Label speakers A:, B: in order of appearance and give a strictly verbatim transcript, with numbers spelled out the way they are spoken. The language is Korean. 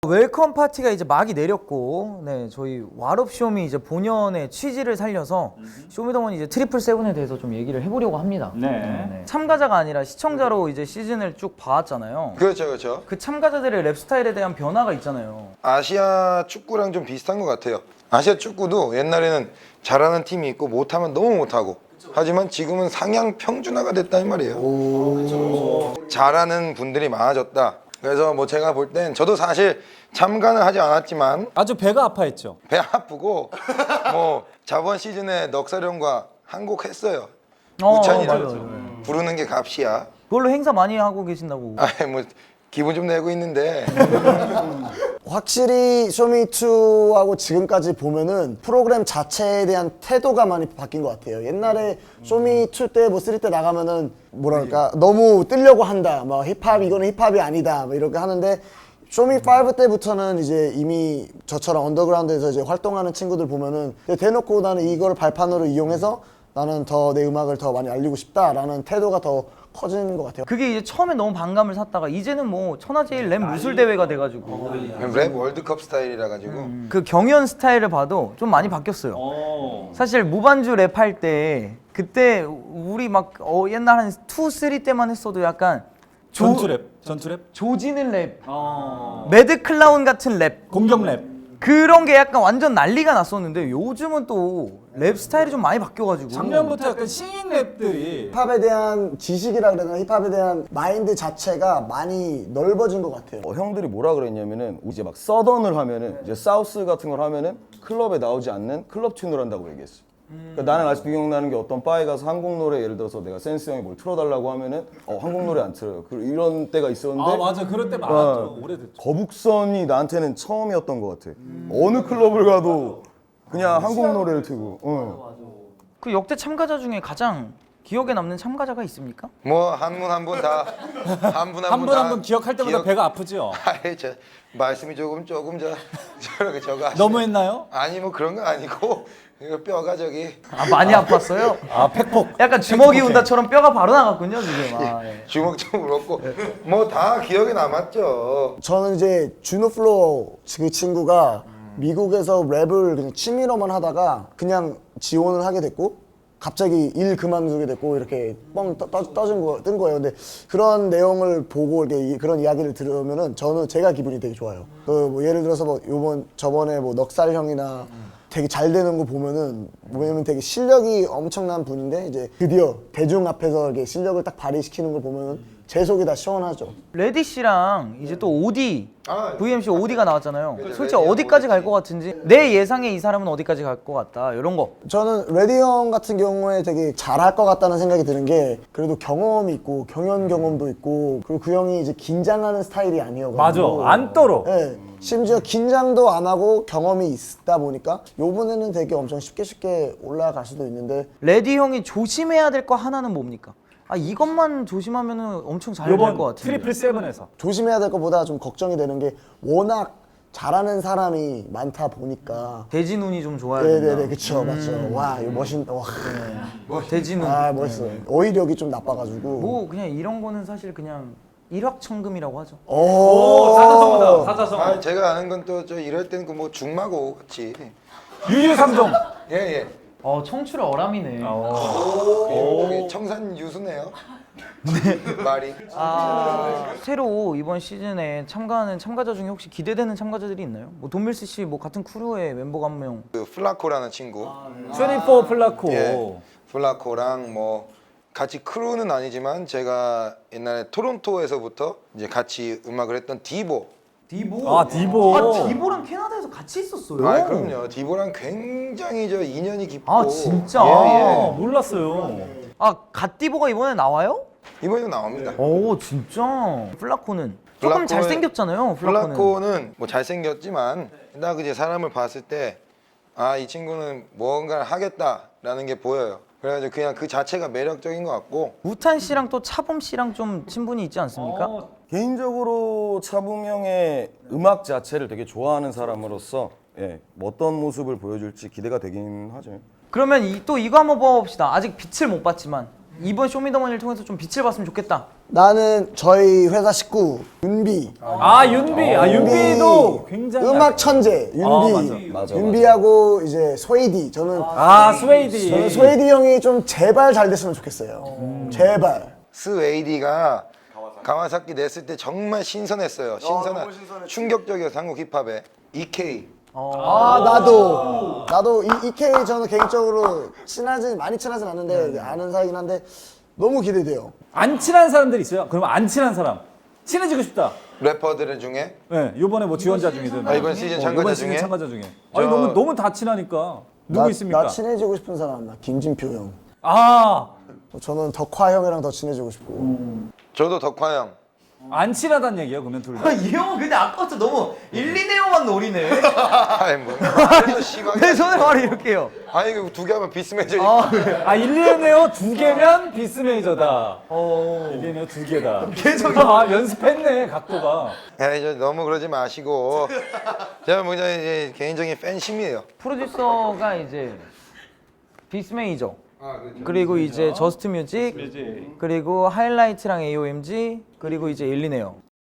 A: 웰컴 파티가 이제 막이 내렸고, 네, 저희 왓업쇼미 이제 본연의 취지를 살려서 쇼미더머니 이제 트리플 세븐에 대해서 좀 얘기를 해보려고 합니다.
B: 네.
A: 네, 네. 참가자가 아니라 시청자로 이제 시즌을 쭉 봐왔잖아요.
C: 그렇죠, 그렇죠.
A: 그 참가자들의 랩 스타일에 대한 변화가 있잖아요.
C: 아시아 축구랑 좀 비슷한 것 같아요. 아시아 축구도 옛날에는 잘하는 팀이 있고 못하면 너무 못하고, 하지만 지금은 상향 평준화가 됐다는 말이에요. 잘하는 분들이 많아졌다. 그래서 뭐 제가 볼 땐 저도 사실 참가는 하지 않았지만
B: 아주 배가 아파했죠.
C: 배 아프고 뭐 저번 시즌에 넉살형과 한 곡 했어요.
A: 어,
C: 우찬이를
A: 맞아요, 맞아요.
C: 부르는 게 값이야.
A: 그걸로 행사 많이 하고 계신다고.
C: 아, 뭐 기분 좀 내고 있는데
D: 확실히 쇼미투하고 지금까지 보면은 프로그램 자체에 대한 태도가 많이 바뀐 것 같아요. 옛날에 쇼미투 때 뭐 쓰리 때 나가면은 뭐랄까 너무 뜨려고 한다. 뭐 힙합 이거는 힙합이 아니다. 뭐 이렇게 하는데 쇼미 파이브 때부터는 이제 이미 저처럼 언더그라운드에서 이제 활동하는 친구들 보면은 대놓고 나는 이걸 발판으로 이용해서 나는 더 내 음악을 더 많이 알리고 싶다라는 태도가 더 커진 것 같아요.
A: 그게 이제 처음에 너무 반감을 샀다가 이제는 뭐 천하제일 랩 무술 대회가 돼가지고
C: 랩 월드컵 스타일이라 가지고
A: 음. 그 경연 스타일을 봐도 좀 많이 바뀌었어요.
B: 오.
A: 사실 무반주 랩할 때 그때 우리 막 어, 옛날 한 투, 쓰리 때만 했어도 약간 조,
B: 전투랩. 전투랩.
A: 조지는 랩,
B: 어.
A: 매드 클라운 같은 랩
B: 공격랩.
A: 그런 게 약간 완전 난리가 났었는데 요즘은 또 랩 스타일이 좀 많이 바뀌어가지고
B: 작년부터 약간 신인 랩들이
D: 힙합에 대한 지식이라 그래야 되나 힙합에 대한 마인드 자체가 많이 넓어진 것 같아요.
E: 어, 형들이 뭐라 그랬냐면은 이제 막 서던을 하면은 이제 사우스 같은 걸 하면은 클럽에 나오지 않는 클럽 튠을 한다고 얘기했어. 그러니까 나는 아직도 기억나는 게 어떤 바에 가서 한국 노래 예를 들어서 내가 센스 형이 뭘 틀어달라고 하면은 어 한국 노래 안 틀어요. 그 이런 때가 있었는데
B: 아 맞아 그럴 때 많았죠. 오래됐죠.
E: 거북선이 나한테는 처음이었던 것 같아. 어느 클럽을 가도 그냥 한국 노래를 틀고. 어.
A: 그 역대 참가자 중에 가장 기억에 남는 참가자가 있습니까?
C: 뭐 한 분 한 분 다 한 분 한
B: 한
C: 분
B: 분
C: 다
B: 한 분 기억할 때마다
C: 기억-
B: 배가 아프죠.
C: 아이, 저 말씀이 조금 조금 저 저렇게 저거 하시네.
B: 너무했나요?
C: 아니 뭐 그런 거 아니고 이거 뼈가 저기
A: 아 많이 아팠어요?
B: 아 팩폭.
A: 약간 주먹이 운다처럼 뼈가 바로 나갔군요 지금. 아, 예.
C: 주먹 좀 울었고 뭐 다 기억에 남았죠.
D: 저는 이제 주노 플로우 그 친구가 미국에서 랩을 그냥 취미로만 하다가 그냥 지원을 하게 됐고 갑자기 일 그만두게 됐고 이렇게 뻥 떠, 떠, 떠진 거, 뜬 거예요. 근데 그런 내용을 보고 이렇게 이, 그런 이야기를 들으면은 저는 제가 기분이 되게 좋아요. 그 뭐 예를 들어서 뭐 요번 저번에 뭐 넉살 형이나 되게 잘 되는 거 보면은 왜냐면 되게 실력이 엄청난 분인데 이제 드디어 대중 앞에서 이렇게 실력을 딱 발휘시키는 걸 보면은 제 속이 다 시원하죠.
A: 레디 씨랑 이제 또 오디
C: 아,
A: 브이엠씨 오디가 나왔잖아요.
C: 그죠,
A: 솔직히
C: 레디하고
A: 어디까지 갈 것 같은지 내 예상에 이 사람은 어디까지 갈 것 같다 이런 거.
D: 저는 레디 형 같은 경우에 되게 잘할 것 같다는 생각이 드는 게 그래도 경험이 있고 경연 경험도 있고 그리고 그 형이 이제 긴장하는 스타일이 아니어가지고
B: 맞아 안 떨어.
D: 네, 심지어 긴장도 안 하고 경험이 있다 보니까 요번에는 되게 엄청 쉽게 쉽게 올라갈 수도 있는데
A: 레디 형이 조심해야 될 거 하나는 뭡니까? 아 이것만 조심하면은 엄청 잘 될 것
B: 이번
A: 같은데.
B: 트리플 세븐에서
D: 조심해야 될 것보다 좀 걱정이 되는 게 워낙 잘하는 사람이 많다 보니까
A: 돼지 눈이 좀 좋아야 된다.
D: 네네네 그쵸 맞죠 와 이거 멋있다 와
A: 돼지 눈.
D: 아 멋있어요 어휘력이 좀 나빠가지고
A: 뭐 그냥 이런 거는 사실 그냥 일확천금이라고 하죠.
D: 오,
B: 사자성어다 사자성어.
C: 아, 제가 아는 건 또 저 이럴 때는 그 뭐 중마고 같이
B: 유유상종.
C: 예예.
A: 어 청출 어람이네.
C: 오. 청산 유수네요. 말이.
A: 아 새로 이번 시즌에 참가하는 참가자 중에 혹시 기대되는 참가자들이 있나요? 뭐 돈밀스 씨 뭐 같은 크루의 멤버가 한 명.
C: 그 플라코라는 친구.
B: 이십사 플라코.
C: 예. 플라코랑 뭐 같이 크루는 아니지만 제가 옛날에 토론토에서부터 이제 같이 음악을 했던 디보.
A: 디보.
B: 아 디보.
A: 아 디보랑 캐나다에서 같이 있었어요.
C: 아 그럼요. 디보랑 굉장히 저 인연이 깊고.
A: 아, 진짜?
C: 예,
B: 아,
C: 예.
B: 몰랐어요.
A: 아 갓디보가 이번에 나와요?
C: 이번에도 나옵니다.
A: 오 진짜. 플라코는 조금
C: 플라코는-
A: 잘생겼잖아요. 플라코는.
C: 플라코는 뭐 잘생겼지만 딱 이제 사람을 봤을 때 아 이 친구는 뭔가를 하겠다라는 게 보여요. 그래가지고 그냥 그 자체가 매력적인 것 같고
A: 우탄 씨랑 또 차범 씨랑 좀 친분이 있지 않습니까?
B: 어,
E: 개인적으로 차붐 형의 음악 자체를 되게 좋아하는 사람으로서 예, 뭐 어떤 모습을 보여줄지 기대가 되긴 하죠.
A: 그러면 이, 또 이거 한번 뽑아봅시다. 아직 빛을 못 봤지만 이번 쇼미더머니를 통해서 좀 빛을 봤으면 좋겠다.
D: 나는 저희 회사 식구 윤비.
B: 아 윤비. 아 윤비도 굉장히
D: 음악 천재 윤비.
B: 아, 맞아.
E: 맞아,
D: 윤비하고 이제 스웨이디. 저는
B: 아 스웨이디.
D: 저는 스웨이디 형이 좀 제발 잘 됐으면 좋겠어요. 제발.
C: 스웨이디가 가와사키 냈을 때 정말 신선했어요. 신선한 충격적이어서 한국 힙합에 이케이
D: 아 나도 나도 이 이케이 저는 개인적으로 친하진 많이 친하진 않는데 아는 사이긴 한데 너무 기대돼요.
B: 안 친한 사람들 있어요. 그러면 안 친한 사람 친해지고 싶다.
C: 래퍼들 중에
B: 네, 이번에 뭐 지원자 중이든
C: 아, 이번 시즌
B: 어,
C: 참가자
B: 이번 시즌
C: 중에?
B: 참가자 중에.
C: 저-
B: 아니 너무 너무 다 친하니까 누구
D: 나,
B: 있습니까?
D: 나 친해지고 싶은 사람 나 김진표 형.
B: 아,
D: 저는 덕화 형이랑 더 친해지고 싶고.
C: 저도 덕화 형.
B: 안 친하단 얘기예요, 그러면 둘 다.
A: 이 형은 근데 아까부터 너무 일, 이 네오만 노리네.
C: 아이 뭐 그래서 심하게
A: 내 손에 말을 이렇게 해요.
C: 아니 이거 두 개 하면 비스매저니까
B: 아, 일리네오 두 개면 비스메이저다.
A: 어.
B: 일리네오 두 개다. 계속 아, 연습했네, 각도가.
C: 야, 이제 너무 그러지 마시고 제가 뭐 이제 개인적인 팬심이에요.
A: 프로듀서가 이제 비스메이저. 그리고 이제 저스트 뮤직, 그리고 하이라이트랑 에이오엠지, 그리고 이제 일리네요.